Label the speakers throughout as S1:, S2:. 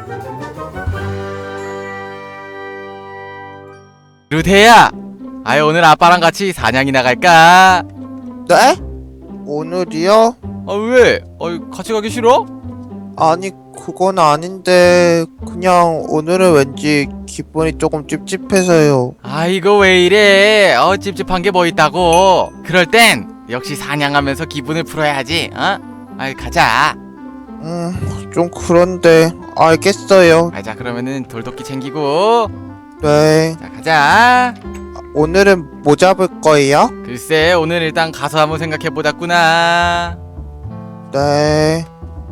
S1: 루테야, 오늘 아빠랑 같이 사냥이 나갈까?
S2: 네? 오늘이요?
S1: 왜? 같이 가기 싫어?
S2: 아니 그건 아닌데 그냥 오늘은 왠지 기분이 조금 찝찝해서요.
S1: 이거 왜 이래? 찝찝한 게 뭐 있다고? 그럴 땐 역시 사냥하면서 기분을 풀어야지. 가자.
S2: 좀 그런데 알겠어요.
S1: 자, 그러면은 돌도끼 챙기고.
S2: 네.
S1: 자, 가자.
S2: 오늘은 뭐 잡을 거예요?
S1: 글쎄, 오늘 일단 가서 한번 생각해보자꾸나.
S2: 네.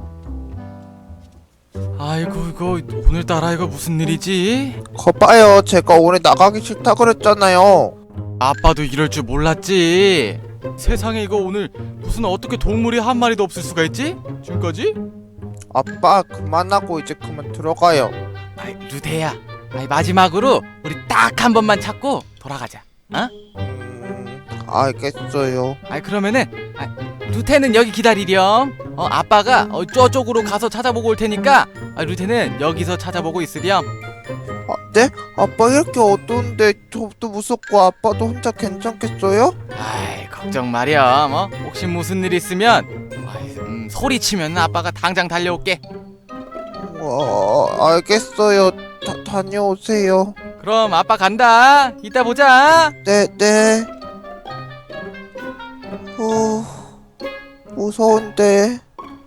S1: 아이고, 이거 오늘따라 이거 무슨 일이지?
S2: 거봐요, 제가 오늘 나가기 싫다 그랬잖아요.
S1: 아빠도 이럴 줄 몰랐지. 세상에, 이거 오늘 무슨 어떻게 동물이 한 마리도 없을 수가 있지? 지금까지?
S2: 아빠 그만하고 이제 그만 들어가요.
S1: 루테야, 마지막으로 우리 딱 한 번만 찾고 돌아가자.
S2: 알겠어요.
S1: 그러면은 루테는 여기 기다리렴. 아빠가 저쪽으로 가서 찾아보고 올 테니까 루테는 여기서 찾아보고 있으렴.
S2: 네? 아빠 이렇게 어두운데 저도 무섭고 아빠도 혼자 괜찮겠어요?
S1: 걱정 마렴. 혹시 무슨 일 있으면 소리치면 아빠가 당장 달려올게.
S2: 알겠어요. 다녀오세요.
S1: 그럼 아빠 간다. 이따 보자.
S2: 네. 무서운데.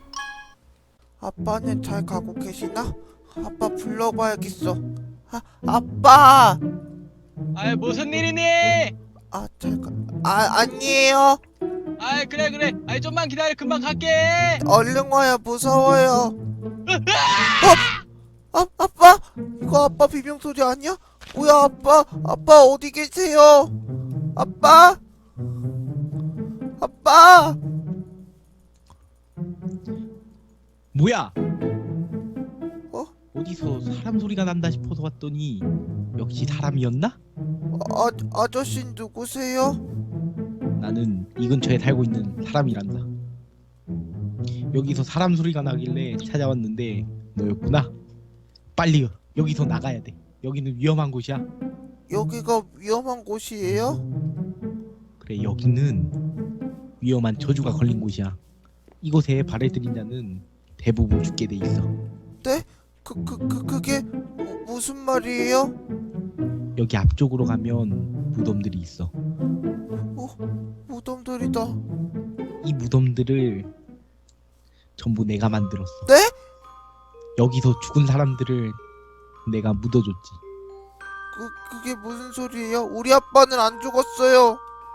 S2: 아빠는 잘 가고 계시나? 아빠 불러봐야겠어. 아빠!
S1: 무슨 일이니?
S2: 아니에요.
S1: 그래. 좀만 기다려. 금방 갈게.
S2: 얼른 와요. 무서워요. 아빠? 이거 아빠 비명소리 아니야? 뭐야, 아빠 어디 계세요? 아빠?
S3: 뭐야?
S2: 어?
S3: 어디서 사람 소리가 난다 싶어서 왔더니 역시 사람이었나?
S2: 아저씨 누구세요?
S3: 나는 이 근처에 살고 있는 사람이란다. 여기서 사람 소리가 나길래 찾아왔는데 너였구나. 빨리 여기서 나가야 돼. 여기는 위험한 곳이야.
S2: 여기가 위험한 곳이에요?
S3: 그래, 여기는 위험한 저주가 걸린 곳이야. 이곳에 발을 들인 자는 대부분 죽게 돼 있어.
S2: 네? 그게 무슨 말이에요?
S3: 여기 앞쪽으로 가면 무덤들이 있어.
S2: 무덤들이다.
S3: 이 무덤들을 전부 내가 만들었어.
S2: 네?
S3: 여기서 죽은 사람들을 내가 묻어줬지.
S2: 그게 무슨 소리예요? 우리 아빠는 안 죽었어요.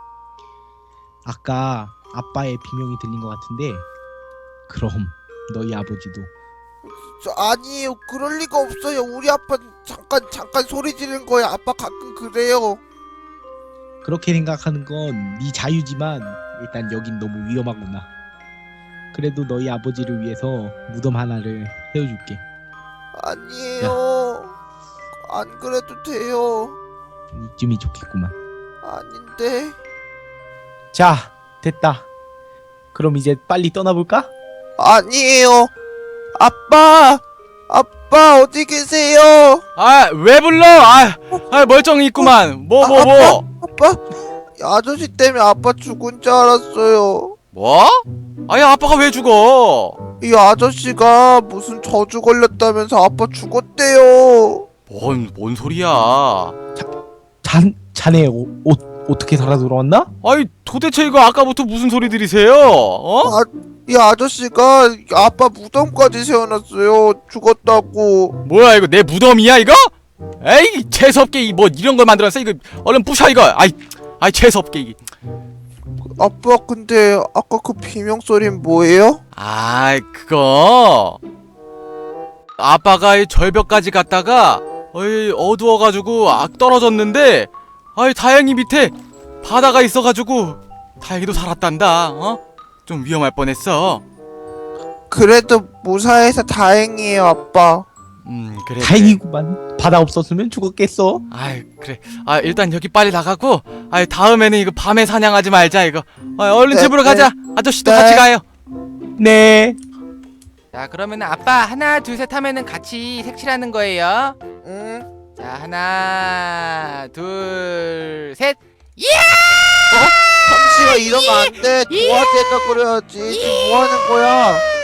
S3: 아까 아빠의 비명이 들린 것 같은데 그럼 너희 아버지도.
S2: 아니에요. 그럴 리가 없어요. 우리 아빠는 잠깐 소리 지른 거예요. 아빠 가끔 그래요.
S3: 그렇게 생각하는 건 네 자유지만 일단 여긴 너무 위험하구나. 그래도 너희 아버지를 위해서 무덤 하나를 세워줄게.
S2: 아니에요. 안 그래도 돼요.
S3: 이쯤이 좋겠구만.
S2: 아닌데.
S3: 자, 됐다. 그럼 이제 빨리 떠나볼까?
S2: 아니에요. 아빠 어디 계세요?
S1: 왜 불러? 멀쩡히 있구만. 뭐?
S2: 아빠? 아저씨 때문에 아빠 죽은 줄 알았어요.
S1: 뭐? 아빠가 왜 죽어?
S2: 이 아저씨가 무슨 저주 걸렸다면서 아빠 죽었대요.
S1: 뭔 소리야?
S3: 자네 옷 어떻게 살아 돌아왔나?
S1: 도대체 이거 아까부터 무슨 소리 들이세요?
S2: 이 아저씨가 아빠 무덤까지 세워놨어요. 죽었다고.
S1: 뭐야, 이거 내 무덤이야 이거? 에이, 재수없게 뭐 이런 걸 만들었어. 이거 얼른 부셔 이거. 재수없게 이게.
S2: 아빠 근데 아까 그 비명소리는 뭐예요?
S1: 그거 아빠가 이 절벽까지 갔다가 어두워가지고 떨어졌는데 다행히 밑에 바다가 있어가지고 다행히도 살았단다. 좀 위험할 뻔했어.
S2: 그래도 무사해서 다행이에요, 아빠.
S1: 그래.
S3: 다행이구만. 바다 없었으면 죽었겠어.
S1: 그래. 일단 여기 빨리 나가고 다음에는 이거 밤에 사냥하지 말자 이거. 얼른
S2: 네,
S1: 집으로
S2: 네.
S1: 가자. 아저씨도
S2: 네.
S1: 같이 가요.
S3: 네.
S1: 자 그러면 아빠 하나 둘 셋 하면은 같이 색칠하는 거예요.
S2: 응?
S1: 자 하나 둘 셋.
S2: 잠시만 이러면 안돼 도화제가 그려야지 지금 뭐하는 거야